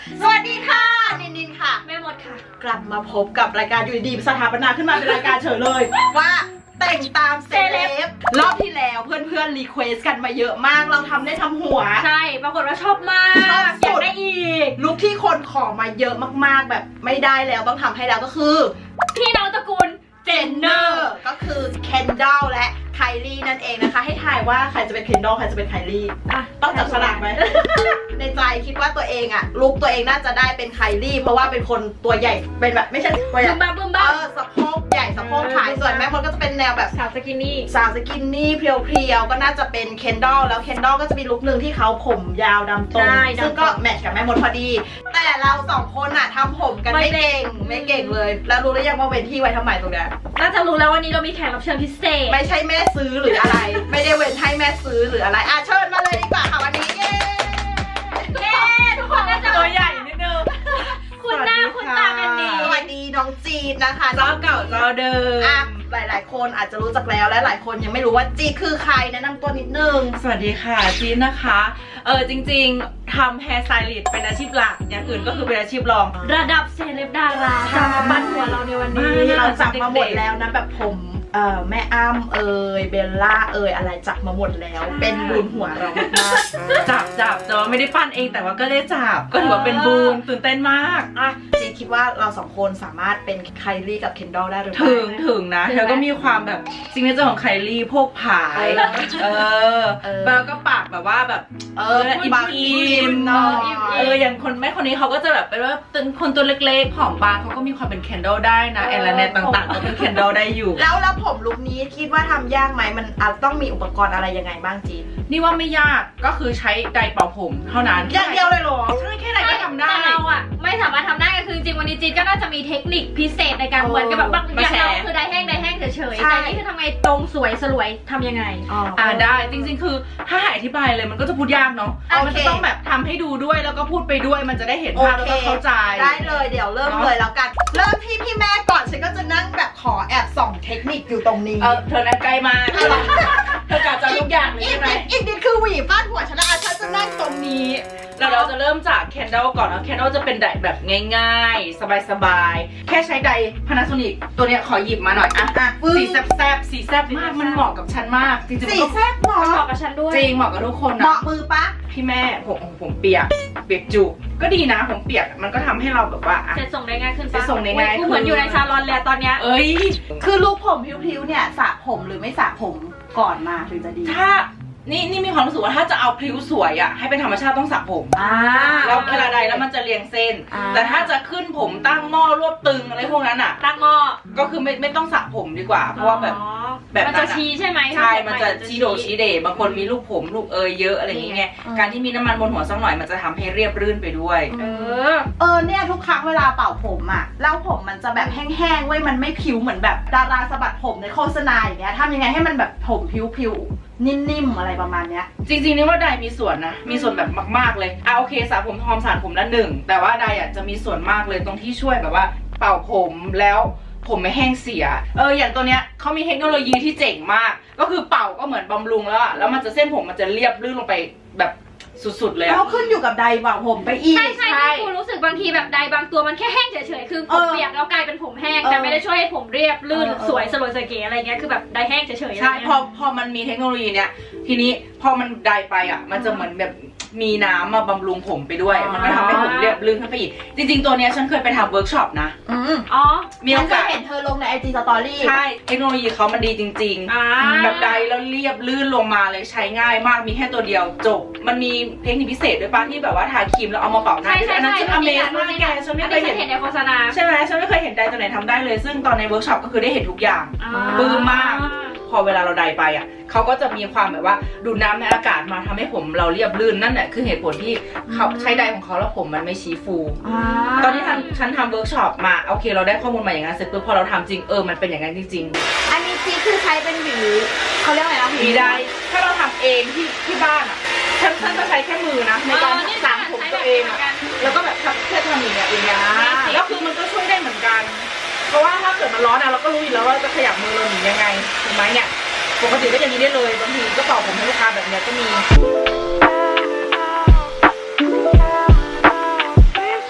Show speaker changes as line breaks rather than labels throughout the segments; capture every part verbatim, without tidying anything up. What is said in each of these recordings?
สวัสดีค่ะนินนินค่ะ
แม่มดค่ะ
กลับมาพบกับรายการอยู่ดีสถาปนาขึ้นมาเป็นรายการเฉยเลยว่าแต่งตามเซเลบรอบที่แล้วเพื่อนๆรีเควสกันมาเยอะมากเราทำได้ทำหัว
ใช่ปรากฏว่าชอบมากอยากได้อีก
ลุคที่คนขอมาเยอะมากๆแบบไม่ได้แล้วต้องทำให้แล้วก็คือ
พี่น้องตระกูลเจนเนอร์
ก็คือเคนดอลและไคลี่นั่นเองนะคะให้ทายว่าใครจะเป็นเคนดอลใครจะเป็นไคลี่ต้องจับฉลากไหม ในใจคิดว่าตัวเองอะลุคตัวเองน่าจะได้เป็นไคลี่เพราะว่าเป็นคนตัวใหญ่เป็นแบบไม่ใช่ตัวใหญ่
บึ้มบ้าบึ้มบ้า
เออสะโพกใหญ่สะโพกถ่ายส่วนแม่มดก็จะเป็นแนวแบบ
สาวสกินนี่
สาวสกินนี่เพรียวๆก็น่าจะเป็นเคนดอลแล้วเคนดอลก็จะมีลุคหนึ่งที่เขาผมยาวดำตรงซึ่งก็แมทช์กับแม่มดพอดีแต่เราสองคนอะทำผมกันไม่เก่งไม่เก่งเลยแล้วรู้หรือยังว่าเว้นที่ไว้ทำไมตรงเนี้ย
น่าจะรู้แล้ววันนี้เรามีแขกรับเชิญพิเศษ
ไม่ใช่แม่ซื้อหรืออะไร ไม่ได้เว้นให้แม่ซื้อหรืออะไรอ่ะเชิญมาเลยดีกว่าค่ะวันนี้เย้
เย้ทุกคนน่าจะ
ตัวใหญ่นิดนึง
คุณหน้าคุณตากันดี
สวัสดีน้องจีนนะคะ
เจ้าเก่าเจ้าเดิม
อ่ะหลายๆคนอาจจะรู้จักแล้วและหลายคนยังไม่รู้ว่าจีคือใครแนะนำตัวนิดนึง
สวัสดีค่ะจีนนะคะเออจริงๆทำแฮร์สไตลิสต์เป็นอาชีพหลักอย่างอื่นก็คือเป็นอาชีพรอง
ระดับเซเลบดาราจะมาปั้นหัวเราในวันนี้
เราจับมาหมดแล้วนะแบบผมเอ่อแม่อ้ำเอ่ยเบลล่าเอ่ยอะไรจับมาหมดแล้วเป็นบุญหัวเรามาก
จับจับแต่ว่าไม่ได้ปั้นเองแต่ว่าก็ได้จับก็ถือว่าเป็นบุญตื่นเต้นมาก
อ่ะจีคิดว่าเราสองคนสามารถเป็นไคลี่กับเคนดอลได้หรือเปล่า
ถึงถึงนะเธอก็มีความแบบซิงเกิลเจอร์ของไคลี่พวกผายเออแล้วก็ปากแบบว่าแบบ
เออ
อิ่มอิ่มเนาะเอออย่างคนแม่คนนี้เขาก็จะแบบเป็นว่าเป็นคนตัวเล็กๆผอมบางเขาก็มีความเป็นเคนดอลได้นะแอลเนตต่างๆก็เป็นเคนดอลได้อยู่
แล้วแล้วผมลุคนี้คิดว่าทำยากไหมมันอาจต้องมีอุปกรณ์อะไรยังไงบ้างจีน
นี่ว่าไม่ยากก็คือใช้ไดร์เป่าผมเท่านั้น
อย่างเดียวเลยหรอ
ใช่แค่ไหนก็ทำได้
แต่เราอะไม่สามารถทำได้ก็คือจริงวันนี้จีนก็น่าจะมีเทคนิคพิเศษในการเหมือนกับแบบบางอย่างเราคือไดร์แห้งไดร์แห้งเฉยๆแต่นี่คือทำไงตรงสวยสลวยทำยังไง
อ่าได้จริงๆคือถ้าให้อธิบายเลยมันก็จะพูดยากเนาะมันจะต้องแบบทำให้ดูด้วยแล้วก็พูดไปด้วยมันจะได้เห็นภาพแล้วก็เข้าใจ
ได้เลยเดี๋ยวเริ่มเลยแล้วกันเริ่มที่พี่แม่ก่อนฉันก็จะนั่งแบบขอแอบส่องเทคนิคอยู่ตรงนี้
เออเธอนั่งใกล้มาเธอกะจะทุกอย่างเลยใช่ไหม
อีกนิดคือหวีฟาดหัวฉันนะฉันจะนั่งตรงนี้
แล้วเราจะเริ่มจากแคนดลก่อนนะแคนดลจะเป็นไดร์แบบง่ายๆสบายๆแค่ใช้ไดร์ Panasonic ตัวเนี้ยขอหยิบมาหน่อยอ่ะสีแซ่บๆสีแซ่บมากมันเหมาะกับฉันมากจริงๆ
สีแซ่บเหมาะ
เหมาะกับฉันด้วย
จริงเหมาะกับทุกคนนะ
เหมาะมือปะ
พี่แม่ผมผมเปียกเปียกจุก็ดีนะผมเปียกมันก็ทำให้เราแบบว่า
เสร็จส่งได้ง่ายขึ้น
เสร็จส่งได้ง่าย
เหมือนอยู่ในซาลอนแล้วตอนเนี้ย
เอ้ย
คือลูกผมพิ้วๆเนี่ยสระผมหรือไม่สระผมก่อนมาถึงจะดี
ถ้านี่นี่มีความรู้สึกว่าถ้าจะเอาพลิ้วสวยอ่ะให้เป็นธรรมชาติต้องสระผมแล้วเวลาใดแล้วมันจะเรียงเส้นแต่ถ้าจะขึ้นผมตั้งหม้อรวบตึงอะไรพวกนั้นอ่ะ
ตั้งหม้อ
ก็คือไม่ไม่ต้องสระผมดีกว่าเพราะว่าแบบ
แบบมันจะชี้ใช่ไหม
ใช่มันจะชี้โดชี้เดบางคนมีลูกผมลูกเอยเยอะอะไรอย่างเงี้ยการที่มีน้ำมันบนหัวสักหน่อยมันจะทำให้เรียบรื่นไปด้วย
เออเออเนี่ยทุกครั้งเวลาเป่าผมอ่ะแล้วผมมันจะแบบแห้งๆเว้ยมันไม่ผิวเหมือนแบบดาราสะบัดผมในโฆษณาอย่างเงี้ยทำยังไงให้มันแบบผมผิวๆนิ่มๆอะไรประมาณเนี้ย
จริงๆนี่ว่าไดมีส่วนนะมีส่วนแบบมากๆเลยอ่ะโอเคสระผมทอมสระผมละหนึ่งแต่ว่าไดอ่ะจะมีส่วนมากเลยตรงที่ช่วยแบบว่าเป่าผมแล้วผมไม่แห้งเสียเอออย่างตัวเนี้ยเขามีเทคโนโลยีที่เจ๋งมากก็คือเป่าก็เหมือนบำรุงแล้วอะแล้วมันจะเส้นผมมันจะเรียบลื่นลงไปแบบสุดๆเลย
แล้วขึ้นอยู่กับไดร์เป่าผมไปอีก
ใช่ใช่ที่คุณรู้สึกบางทีแบบไดร์บางตัวมันแค่แห้งเฉยๆคือผมเปียกแล้วกลายเป็นผมแห้งแต่ไม่ได้ช่วยให้ผมเรียบลื่นสวยสลวยสวยเก๋อะไรเงี้ยคือแบบไดร์แห้งเฉยๆ
ใช่พอพอมันมีเทคโนโลยีเนี้ยทีนี้พอมันไดร์ไปอะมันจะเหมือนแบบมีน้ำมาบำรุงผมไปด้วยมันก็ทำให้ผมเรียบลื่นขึ้นไปอีกจริงๆตัวเนี้ยฉันเคยไปทำเวิร์กช็อปนะ
อืม
อ๋อ
มีโอกาสเห็นเธอลงในไอจีสตอรี่
ใช่เทคโนโลยีเขามันดีจริงๆแบบไดแล้วเรียบลื่นลงมาเลยใช้ง่ายมากมีแค่ตัวเดียวจบมันมีเทคนิคพิเศษด้วยป่ะที่แบบว่าทาครีมแล้วเอามาเป่าหน้า
ใช่ใช่ใช่
อเมซมากแกฉันไม่เคยเห็น
ในโฆษณา
ใช่ไหมฉันไม่เคยเห็นไดตัวไหนทำได้เลยซึ่งตอนในเวิร์กช็อปก็คือได้เห็นทุกอย่างปลื้มมากพอเวลาเราไดไปอ่ะเขาก็จะมีความแบบว่าดูดน้ำในอากาศมาทำให้ผมเราเรียบลื่นนั่นแหละคือเหตุผลที่เขาใช้ไดของเขาแล้วผมมันไม่ชี้ฟูตอนที่ฉันทำเวิร์กช็อปมาโอเคเราได้ข้อมูลมาอย่างนั้นเสร็จปุ๊บพอเราทำจริงเออมันเป็นอย่างนั้นจริง
ๆอันนี้จีคือใช้เป็นหวีเขาเรียกอะไรนะ
หวีไดถ้าเราทำเองที่ที่บ้านอ่ะฉันฉันจะใช้แค่มือนะในการสระผมตัวเองอ่ะแล้วก็แบบแค่ทำอย่างเงี้ยอย่างเงี้ยแล้วคือมันก็ช่วยได้เหมือนกันเพราะว่าถ้าเกิดมันร้อนอะเราก็รู้อยู่แล้วว่าจะขยับมือเราหนียังไงถูกไหมเนี่ยปกติก็อย่างนี้ได้เลยบางทีก็เป่าผมให้ลูกค้าแบบเนี้ยก็มี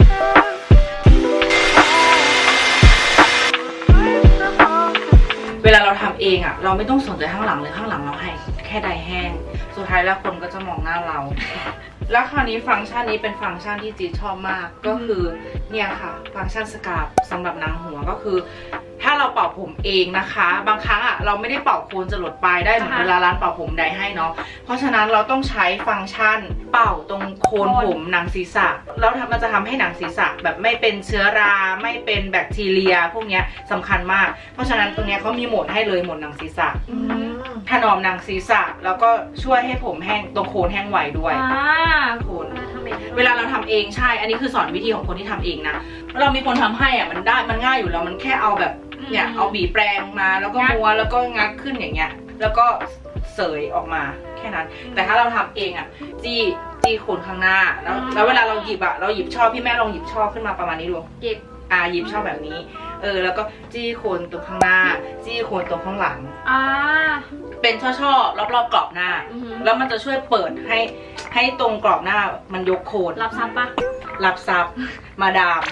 เราทำเองอ่ะเราไม่ต้องสนใจข้างหลังเลยข้างหลังเราให้แค่ใดแห้งสุดท้ายแล้วคนก็จะมองหน้าเรา แล้วคราวนี้ฟังก์ชันนี้เป็นฟังก์ชันที่จีชอบมากก็คือเนี่ยค่ะฟังก์ชันสครับสำหรับนางหัวก็คือถ้าเราเป่าผมเองนะคะบางครั้งอ่ะเราไม่ได้เป่าโคนจรดปลายได้เหมือนเวลาร้านเป่าผมใดให้เนาะเพราะฉะนั้นเราต้องใช้ฟังก์ชันเป่าตรงโคนผมหนังศีรษะแล้วมันจะทำให้หนังศีรษะแบบไม่เป็นเชื้อราไม่เป็นแบคทีเรียพวกเนี้ยสำคัญมากเพราะฉะนั้นตรงเนี้ยเขามีโหมดให้เลยโหมดหนังศีรษะถนอมหนังศีรษะแล้วก็ช่วยให้ผมแห้งตรงโคนแห้งไวด้วยโคนเวลาเราทำเองใช่อันนี้คือสอนวิธีของคนที่ทำเองนะเรามีคนทำให้อ่ะมันได้มันง่ายอยู่แล้วมันแค่เอาแบบเนี่ยเอาบีแปรงมาแล้วก็ม้วนแล้วก็งัดขึ้นอย่างเงี้ยแล้วก็เสยออกมาแค่นั้นแต่ถ้าเราทำเองอ่ะจี้จี้โคนข้างหน้าแล้วแล้วเวลาเราหยิบอ่ะเราหยิบช่อพี่แม่ลองหยิบช่อขึ้นมาประมาณนี้ดูหยิบอ่าหยิบช่อแบบนี้เออแล้วก็จี้โคนตรงข้างหน้าจี้โคนตรงข้างหลังอ่าเป็นช่อๆรอบๆกรอบหน้าแล้วมันจะช่วยเปิดให้ให้ตรงกรอบหน้ามันยกโคน
รับซับปะ
รับซับมาดาม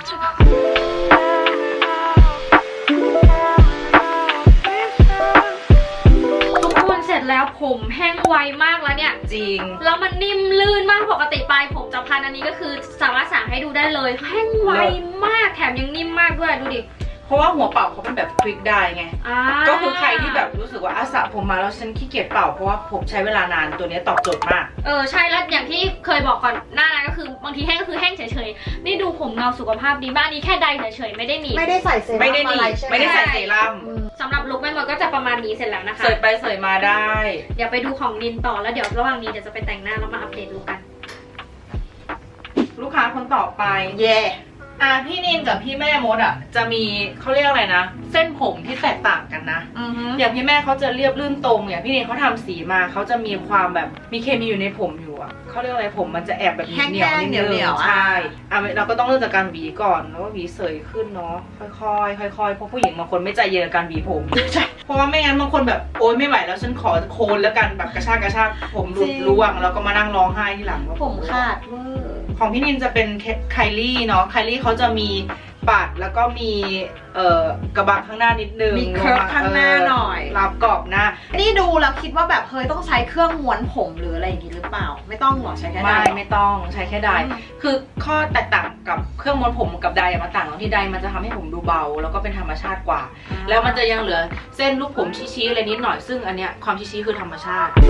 เสร็จแล้วผมแห้งไวมากแล้วเนี่ย
จริง
แล้วมันนิ่มลื่นมากปกติปลายผมจะพันอันนี้ก็คือสามารถสั่งให้ดูได้เลยแห้งไวมากแถมยังนิ่มมากด้วยดูดิ
เพราะว่าหัวเป่าเขาเป็นแบบควิกได้ไงก็คือใครที่แบบรู้สึกว่าอาสระผมมาแล้วฉันขี้เกียจเป่าเพราะว่าผมใช้เวลานานตัวนี้ตอบโจทย์มาก
เออใช่แล้วอย่างที่เคยบอกก่อนหน้านั้นก็คือบางทีแห้งก็คือแห้งเฉยๆนี่ดูผมเงาสุขภาพดีบ้านนี้แค่ใดเฉยๆไม่ได้หนี
ไม่ได้ใส่เซรั่ม
ไม่ได้หนีไม่ได้ใส่เซรั่ม
สำหรับลุคแม่มดก็จะประมาณนี้เสร็จแล้วนะคะ
เสยไปเสยมาได้
เดี๋ยวไปดูของนินต่อแล้วเดี๋ยวระหว่างนี้เดี๋ยวจะไปแต่งหน้าแล้วมาอัปเดตลุคกัน
ลูกค้าคนต่อไป
เย่
อ่ะพี่นินกับพี่แม่มดอ่ะจะมีเขาเรียกอะไรนะเส้นผมที่แตกต่างกันนะอย่างพี่แม่เขาจะเรียบลื่นตรงอย่างพี่นินเขาทำสีมาเขาจะมีความแบบมีเคมีอยู่ในผมอยู่อ่ะเขาเรียกอะไรผมมันจะแอบแบบเหนียวนิดนึงใช่อ่ะเราก็ต้องเริ่มจากการหวีก่อนแล้วก็หวีเสยขึ้นเนาะค่อยๆค่อยๆเพราะผู้หญิงบางคนไม่ใจเย็นกับการหวีผมใช่เพราะว่าไม่งั้นบางคนแบบโอ๊ยไม่ไหวแล้วฉันขอโคนแล้วกันแบบกระชากกระชากผมหลุดร่วงแล้วก็มานั่งร้องไห้ที่หลังว่า
ผมขาดเวอร์
ของพี่นินจะเป็นไคลี่เนาะไคลี่เขาจะมีปัดแล้วก็มีเอ่อกระบังข้างหน้านิดนึง
มีเคิร์ฟข้างหน้าหน่อย
รับกรอบหน้า
นี่ดูแล้วคิดว่าแบบเฮ้ยต้องใช้เครื่องม้วนผมหรืออะไรอย่างงี้หรือเปล่าไม่ต้องหรอใช้แค่ได
ไม่ไม่ต้องใช้แค่ไดคือข้อแตกต่างกับเครื่องม้วนผมกับไดมันต่างตรงที่ไดมันจะทำให้ผมดูเบาแล้วก็เป็นธรรมชาติกว่าแล้วมันจะยังเหลือเส้นลูกผมชี้ๆอะไรนิดหน่อยซึ่งอันเนี้ยความชี้ๆคือธรรมชาติ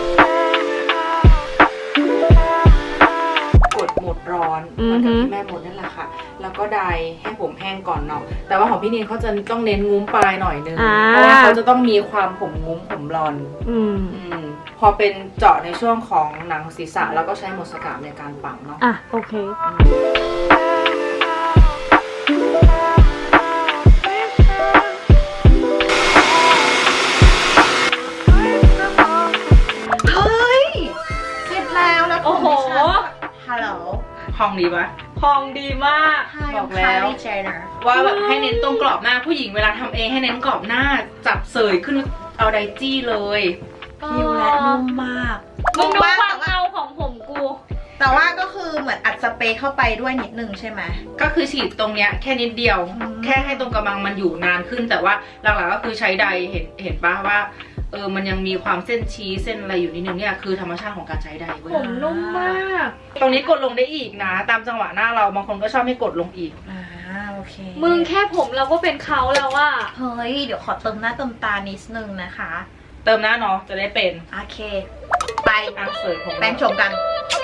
กดโหมดร้อนเหมือนกับที่แม่หมดนั่นแหละค่ะแล้วก็ไดให้ผมแห้งก่อนเนาะแต่ว่าของพี่นินเขาจะต้องเน้นงุ้มปลายหน่อยนึงเพราะว่าเขาจะต้องมีความผมงุ้มผมรอนพอเป็นเจาะในช่วงของหนังศีรษะแล้วก็ใช้หมดสกาบในการปังเนาะ
อ่ะโอเค
พองดีปะ
พองดีมาก
บอกแล้วว่าแบบให้เน้นตรงกรอบหน้าผู้หญิงเวลาทำเองให้เน้นกรอบหน้าจับเสยขึ้นเอาไดจี้เลย
ผิวและนุ่มมาก
มึงดูความเงาของผมกู
แต่ว่าก็คือเหมือนอัดสเปรย์เข้าไปด้วยนิดนึงใช่ไหม
ก็คือฉีดตรงเนี้ยแค่นิดเดียวแค่ให้ตรงกระบังมันอยู่นานขึ้นแต่ว่าหลักๆก็คือใช้ไดเห็นเห็นปะว่าเออมันยังมีความเส้นชี้เส้นอะไรอยู่นิดนึงเนี่ยคือธรรมชาติของการใช้ไดเว้ย
ผมนุ่มมาก
ตรงนี้กดลงได้อีกนะตามจังหวะหน้าเราบางคนก็ชอบให้กดลงอีก
อ่าโอเค
มึงแค่ผมเราก็เป็นเขาแล้วว่า
เฮ้ยเดี๋ยวขอเติมหน้าเติมตานิดนึงนะคะ
เติมหน้าเนาะจะได้เป็น
โอเคไป
อ่ะเสยผม
แป้งชมกัน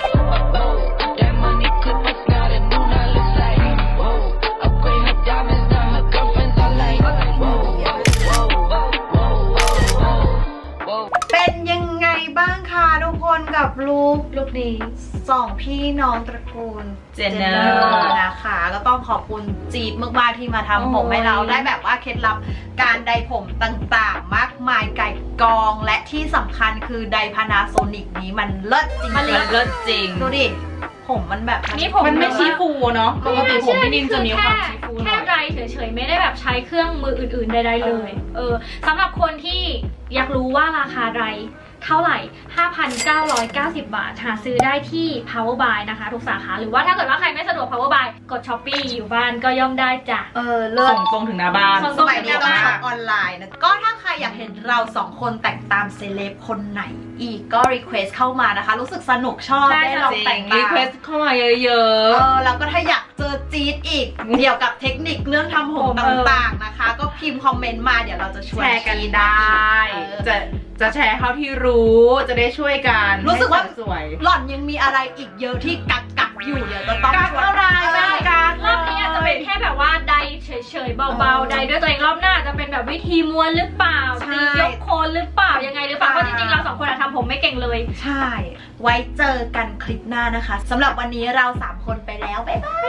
เป็นยังไงบ้างคะทุกคนกับลูกลูกนี้สองพี่น้องตระกูลเจนเนอร์นะคะก็ต้องขอบคุณจีบมากๆที่มาทำผมให้เราได้แบบว่าเคล็ดลับการไดผมต่างๆมากมายไก่กองและที่สำคัญคือไดพานาโซนิกนี้มันเลิศจริงๆ
มันเลิศจริง
ดูดิผมมันแบบ
นี่ผม
มันไม่ชี้ฟูเนาะปกติผมพี่นินจะมีความชี้ฟู
แค่ไดเฉยๆไม่ได้แบบใช้เครื่องมืออื่นๆใดๆเลยเออสำหรับคนที่อยากรู้ว่าราคาไดเท่าไหร่ ห้าพันเก้าร้อยเก้าสิบ บาทหาซื้อได้ที่ Power Buy นะคะทุกสาขาหรือว่าถ้าเกิดว่าใครไม่สะดวก Power Buy กด Shopee อยู่บ้านก็ย่อมได้จ้ะ
เออเลิศ
ส่งตรงถึงหน้าบ้าน
สมัยนี้ต้องช็อปออนไลน์นะก็ถ้าใครอยากเห็นเราสองคนแต่งตามเซเลบคนไหนอีกก็รีเควสเข้ามานะคะ รู้สึกสนุกชอบ
ใช่
ได้ลองแต่ง
รี
ตาม
เควสเข้ามาเยอะ
เออแล้วก็ถ้าอยากเจอจี๊ดอีก เกี่ยวกับเทคนิคเรื่องทำผม
เออ
ต่างๆนะคะ ก็พิมพ์คอมเมนต์มาเดี๋ยวเราจะ
ๆ
ชวน
แชร์กัน
จี๊
ได้
เออ
จะจะแชร์เท่าที่รู้จะได้ช่วยกัน
รู้สึกว่า
ให้สวย
หล่อนยังมีอะไรอีกเยอะที่กักกักๆอยู่เดี๋ยวจะต้อง
กัก
ชวน
อะไร
เออ
กัก
รอบนี้อาจจะเป็นแค่แบบว่าใดเฉยๆเบาๆใดด้วยตัวเองรอบหน้าจะเป็นแบบวิธีม้วนหรือเปล่า
ใช่
ตียกโคนหรือเปล่ายังไงหรือเปล่า
ใช่
เพราะจริงๆเราสองคนอะทำผมไม่เก่งเลย
ใช่ ไว้เจอกันคลิปหน้านะคะสำหรับวันนี้เราสามคนไปแล้ว บ๊ายบาย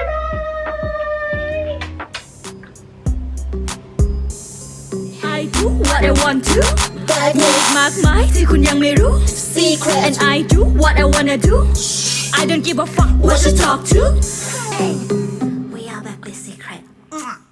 I do what I want to โลกมากมายที่คุณยังไม่รู้ Secret and I do what I wanna do I don't give a fuck what you talk to